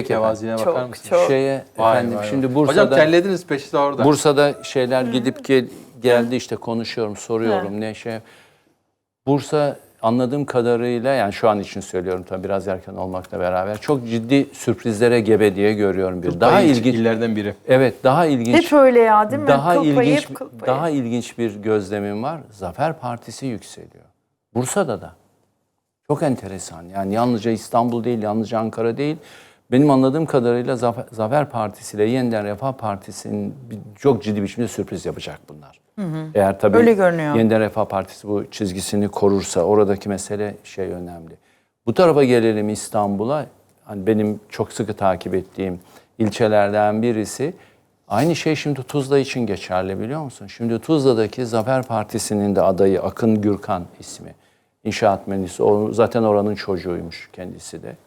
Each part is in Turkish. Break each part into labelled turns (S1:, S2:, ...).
S1: mütevaziliğine bakar mısınız?
S2: Çok.
S1: Efendim
S2: Vay.
S1: şimdi Bursa'da...
S2: Hocam terlediniz peşi de orada.
S1: Bursa'da şeyler gidip geldi işte konuşuyorum, soruyorum ne şey. Bursa anladığım kadarıyla yani şu an için söylüyorum tabii biraz erken olmakla beraber çok ciddi sürprizlere gebe diye görüyorum bir. Daha ilginç
S2: illerden biri.
S1: Evet, daha ilginç.
S3: Hep öyle ya değil mi?
S1: Daha ilginç bir gözlemim var. Zafer Partisi yükseliyor. Bursa'da da. Çok enteresan. Yani yalnızca İstanbul değil, yalnızca Ankara değil. Benim anladığım kadarıyla Zafer Partisi ile Yeniden Refah Partisi'nin çok ciddi biçimde sürpriz yapacak bunlar. Eğer tabii
S3: öyle görünüyor.
S1: Yeniden Refah Partisi bu çizgisini korursa oradaki mesele önemli. Bu tarafa gelelim İstanbul'a. Hani benim çok sıkı takip ettiğim ilçelerden birisi. Aynı şey şimdi Tuzla için geçerli biliyor musun? Şimdi Tuzla'daki Zafer Partisi'nin de adayı Akın Gürkan ismi. İnşaat mühendisi. O zaten oranın çocuğuymuş kendisi de.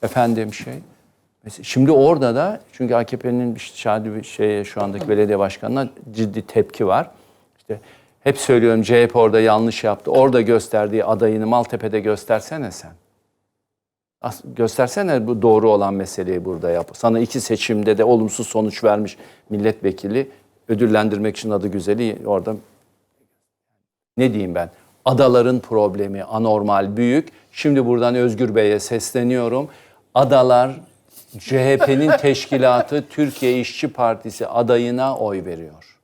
S1: Şimdi orada da çünkü AKP'nin şu andaki belediye başkanına ciddi tepki var. İşte hep söylüyorum CHP orada yanlış yaptı. Orada gösterdiği adayını Maltepe'de göstersene sen. Göstersene bu doğru olan meseleyi burada yap. Sana 2 seçimde de olumsuz sonuç vermiş milletvekili ödüllendirmek için adı güzeli orada. Ne diyeyim ben? Adaların problemi anormal büyük. Şimdi buradan Özgür Bey'e sesleniyorum. Adalar CHP'nin teşkilatı Türkiye İşçi Partisi adayına oy veriyor.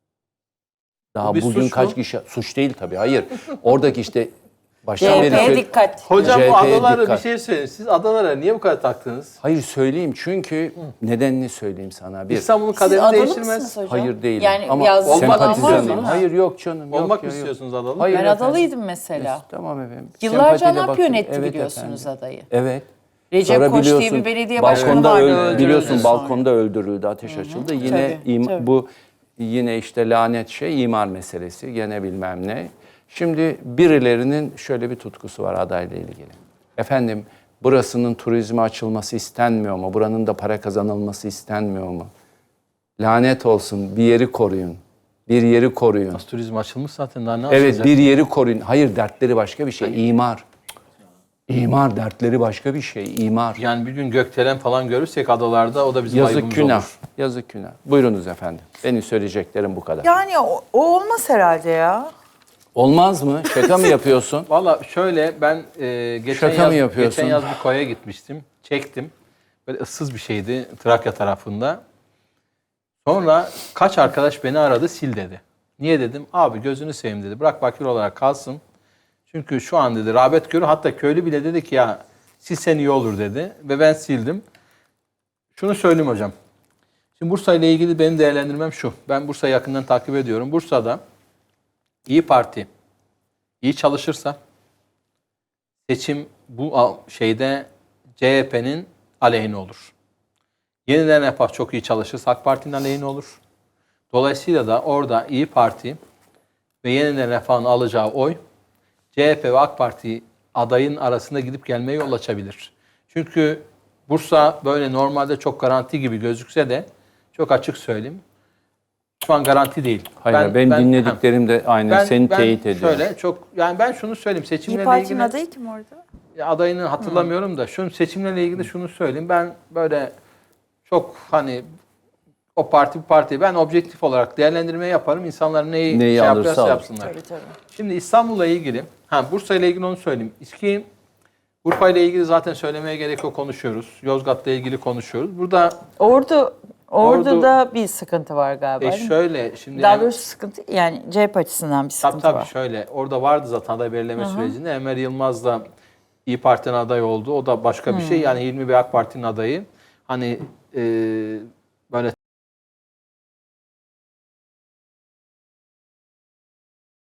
S1: Daha bugün kaç kişi... Suç değil tabii, hayır. Oradaki işte...
S3: CHP'ye dikkat.
S2: Hocam bu adalara bir şey söyleyin. Siz adalara niye bu kadar taktınız?
S1: Hayır söyleyeyim çünkü nedenini söyleyeyim sana.
S2: İstanbul'un kaderini değiştirmez.
S1: Hayır değilim.
S3: Yani
S1: ama
S2: sempatizanım.
S1: Hayır yok canım.
S2: Olmak mı istiyorsunuz adalı?
S1: Hayır,
S3: ben adalıydım mesela.
S1: Tamam efendim.
S3: Yıllarca ANAP yönetti biliyorsunuz adayı.
S1: Evet.
S3: Recep Koç diye bir belediye başkanı vardı.
S1: Biliyorsun balkonda öldürüldü, ateş açıldı. Yine bu yine işte lanet imar meselesi gene bilmem ne. Şimdi birilerinin şöyle bir tutkusu var adayla ilgili. Efendim burasının turizme açılması istenmiyor mu? Buranın da para kazanılması istenmiyor mu? Lanet olsun bir yeri koruyun. Bir yeri koruyun.
S2: Nasıl turizm açılmış zaten daha ne açılacak?
S1: Evet bir yeri koruyun. Hayır dertleri başka bir şey. İmar. İmar dertleri başka bir şey. İmar.
S2: Yani bir gün gökdelen falan görürsek adalarda o da bizim ayıbımız olur.
S1: Yazık günah. Buyurunuz efendim. Benim söyleyeceklerim bu kadar.
S3: Yani o olmaz herhalde ya.
S1: Olmaz mı? Şaka mı yapıyorsun?
S2: Valla şöyle ben geçen yaz bir koya gitmiştim. Çektim. Böyle ıssız bir şeydi Trakya tarafında. Sonra kaç arkadaş beni aradı sil dedi. Niye dedim? Abi gözünü seveyim dedi. Bırak bakir olarak kalsın. Çünkü şu an dedi rağbet görüyor. Hatta köylü bile dedi ki ya silsen iyi olur dedi. Ve ben sildim. Şunu söyleyeyim hocam. Şimdi Bursa ile ilgili benim değerlendirmem şu. Ben Bursa'yı yakından takip ediyorum. Bursa'da İyi Parti iyi çalışırsa seçim bu şeyde CHP'nin aleyhine olur. Yeniden Refah çok iyi çalışırsa AK Parti'nin aleyhine olur. Dolayısıyla da orada İyi Parti ve Yeniden Refah'ın alacağı oy CHP ve AK Parti adayın arasında gidip gelmeye yol açabilir. Çünkü Bursa böyle normalde çok garanti gibi gözükse de çok açık söyleyeyim. Şu an garanti değil.
S1: Hayır, ben dinlediklerim de aynen seni teyit ediyor.
S2: Şöyle yani ben şunu söyleyeyim seçimlerle
S3: İYİ Parti'nin
S2: ilgili.
S3: adayı kim orada?
S2: Adayını hatırlamıyorum da şunu seçimlerle ilgili şunu söyleyeyim. Ben böyle çok hani o parti bu parti ben objektif olarak değerlendirme yaparım. İnsanlar neyi yapıyorsa yapsınlar.
S3: Tabii.
S2: Şimdi İstanbul'la ilgili, Bursa ile ilgili onu söyleyeyim. Urfa ile ilgili zaten söylemeye gerek yok konuşuyoruz. Yozgat'la ilgili konuşuyoruz. Burada
S3: Orada da bir sıkıntı var galiba.
S2: Şöyle şimdi
S3: daha doğrusu sıkıntı yani CHP açısından bir sıkıntı var.
S2: Tabii şöyle orada vardı zaten aday belirleme sürecinde. Enver Yılmaz da İyi Parti'nin adayı oldu. O da başka bir şey. Yani Hilmi Bey AK Parti'nin adayı. Hani